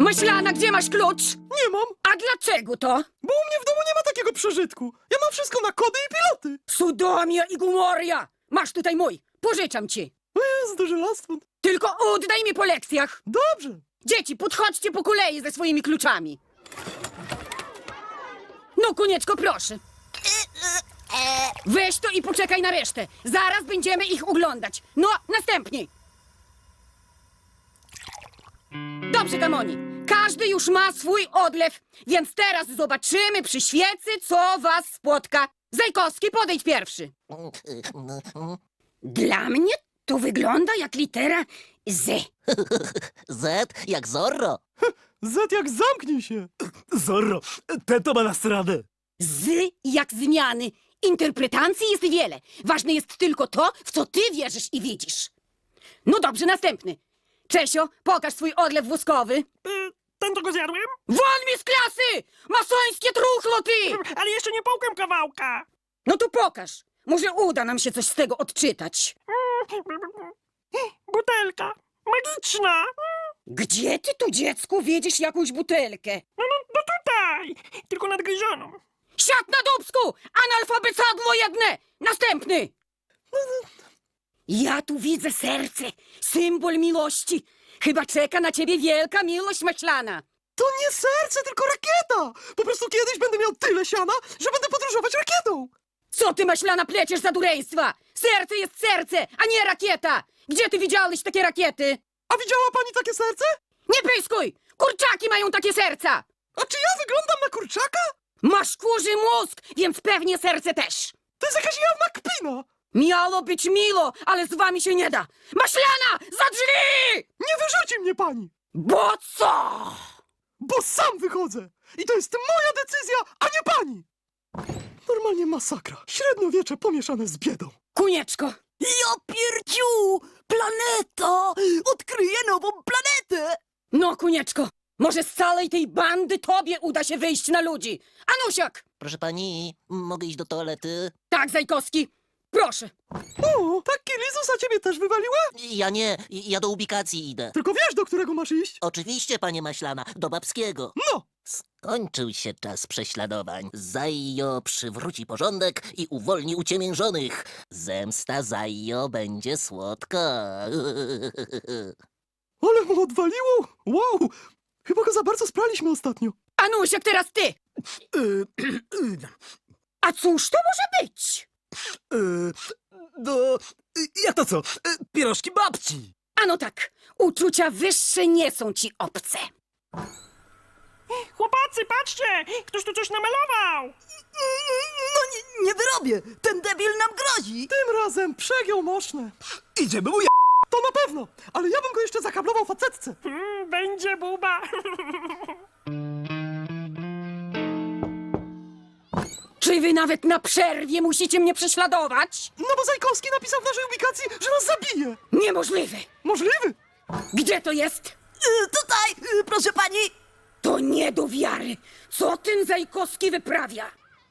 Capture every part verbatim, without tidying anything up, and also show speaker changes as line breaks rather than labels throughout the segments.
Maślana, gdzie masz klucz?
Nie mam,
A dlaczego to?
bo u mnie w domu nie ma takiego przeżytku. Ja mam wszystko na kody i piloty.
Sudomia i Gumoria! Masz tutaj mój, pożyczam ci.
O jest duży lastwon.
Tylko oddaj mi po lekcjach.
Dobrze.
Dzieci, podchodźcie po kolei ze swoimi kluczami. No, Konieczko, proszę. Weź to i poczekaj na resztę. Zaraz będziemy ich oglądać. No, następni. Dobrze, Gamoni. Każdy już ma swój odlew, więc teraz zobaczymy przy świecy, co was spotka. Zajkowski, podejdź pierwszy. Dla mnie to wygląda jak litera Z.
Z jak Zorro.
Z jak zamknij się. Zorro, ten to ma nas radę.
Z jak zmiany. Interpretacji jest wiele. Ważne jest tylko to, w co ty wierzysz i widzisz. No dobrze, następny. Czesio, pokaż swój odlew woskowy.
Y, ten to go zjadłem?
Won mi z klasy! Masońskie truchło ty!
Ale jeszcze nie połkłem kawałka.
No to pokaż. Może uda nam się coś z tego odczytać.
Butelka. Magiczna.
Gdzie ty tu, dziecku, wiedziesz jakąś butelkę?
No, no, no tutaj. Tylko nadgryzioną.
Siad na dubsku! Analfabecadło jedne! Następny! Ja tu widzę serce, symbol miłości. Chyba czeka na ciebie wielka miłość maślana.
To nie serce, tylko rakieta. Po prostu kiedyś będę miał tyle siana, że będę podróżować rakietą.
Co ty, maślana, pleciesz za dureństwa? Serce jest serce, a nie rakieta! Gdzie ty widziałeś takie rakiety?
A widziała pani takie serce?
Nie pyskuj! Kurczaki mają takie serca!
A czy ja wyglądam na kurczaka?
Masz kurzy mózg, więc pewnie serce też.
To jest jakaś jawna kpina.
Miało być milo, ale z wami się nie da. Maślana, za drzwi!
Nie wyrzuci mnie pani,
Bo co?
bo sam wychodzę. I to jest moja decyzja, a nie pani. Normalnie masakra. Średniowiecze pomieszane z biedą.
Kunieczko,
Ja pierdziu! Planeta! Odkryję nową planetę!
no Kunieczko, może z całej tej bandy tobie uda się wyjść na ludzi. Anusiak!
Proszę pani, mogę iść do toalety?
Tak, Zajkowski, proszę.
O, tak Lizusa ciebie też wywaliła?
Ja nie, ja do ubikacji idę.
Tylko wiesz, do którego masz iść?
Oczywiście, panie Maślana, do babskiego.
No,
Skończył się czas prześladowań. Zajo przywróci porządek i uwolni uciemiężonych. Zemsta Zajo będzie słodka.
ale mu odwaliło. Wow, chyba go za bardzo spraliśmy ostatnio.
Anusiak, teraz ty. A cóż to może być?
No, jak to co? Pierożki babci.
Ano tak, uczucia wyższe nie są ci obce.
Chłopacy, patrzcie! Ktoś tu coś namalował.
No nie, nie wyrobię! Ten debil nam grozi!
Tym razem przegiął moszne. Idziemy mu ja... To na pewno, ale ja bym go jeszcze zakablował facetce.
Mm, będzie buba.
Czy wy nawet na przerwie musicie mnie prześladować?
No bo Zajkowski napisał w naszej ubikacji, że nas zabije.
Niemożliwe.
Możliwy.
Gdzie to jest?
Y, tutaj, y, proszę pani!
To nie do wiary. Co ten Zajkowski wyprawia?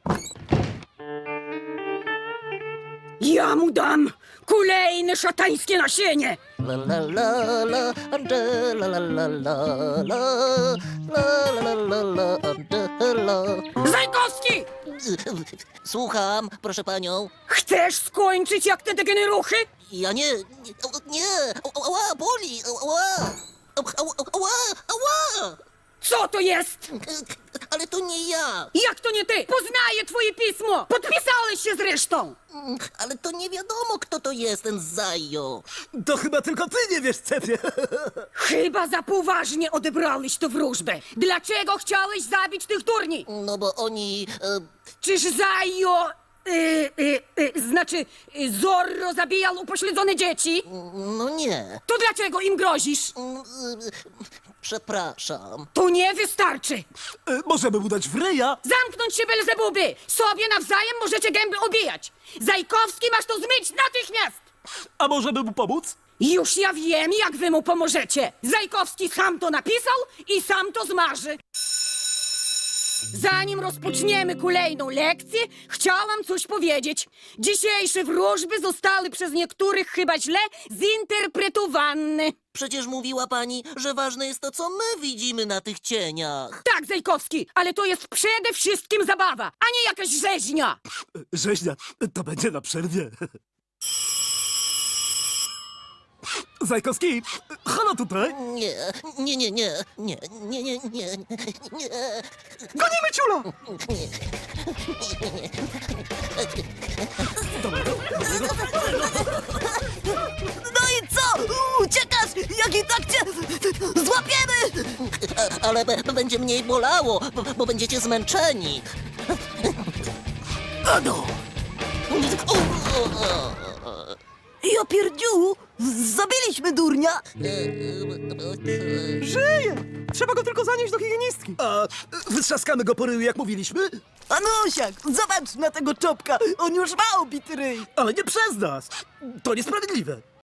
Ja mu dam kolejne szatańskie nasienie.
La la la la, Angela, la la la la, la la la la, Angela.
Zajkowski!
Słucham, proszę panią.
Chcesz skończyć jak te degeneruchy?
Ja nie, nie, nie, ała, boli, ała, ała, ała, ała.
Co to jest?
Ale to nie ja,
Jak to nie ty? Poznaję twoje pismo! Podpisałeś się zresztą!
ale to nie wiadomo, kto to jest ten Zajo.
To chyba tylko ty nie wiesz, cepie.
Chyba za poważnie odebrałeś tę wróżbę. Dlaczego chciałeś zabić tych turni?
No bo oni... E,
Czyż Zajo... Y, y, y, znaczy, y, Zorro zabijał upośledzone dzieci?
no nie.
To dlaczego im grozisz?
Mm, e, Przepraszam.
To nie wystarczy.
Możemy mu dać w ryja.
Zamknąć się, Belzebuby! Sobie nawzajem możecie gęby obijać. Zajkowski, masz to zmyć natychmiast!
A możemy mu pomóc?
Już ja wiem, jak wy mu pomożecie. Zajkowski sam to napisał i sam to zmarzy. Zanim rozpoczniemy kolejną lekcję, chciałam coś powiedzieć. Dzisiejsze wróżby zostały przez niektórych chyba źle zinterpretowane.
Przecież mówiła pani, że ważne jest to, co my widzimy na tych cieniach.
Tak, Zajkowski, ale to jest przede wszystkim zabawa, a nie jakaś rzeźnia.
Rzeźnia, to będzie na przerwie. Zajkowski, halo tutaj.
Nie, nie, nie, nie, nie, nie, nie, nie, nie.
Gonimy ciula!
No i co? Uciekasz, jak i tak cię złapiemy!
A- Ale b- będzie mniej bolało, bo, bo będziecie zmęczeni.
Ano!
Ja pierdziu, zabiliśmy durnia.
Żyje! Trzeba go tylko zanieść do higienistki. A wytrzaskamy go po ryju, jak mówiliśmy?
Anusiak, zobacz na tego czopka, on już ma obity ryj.
Ale nie przez nas. To niesprawiedliwe.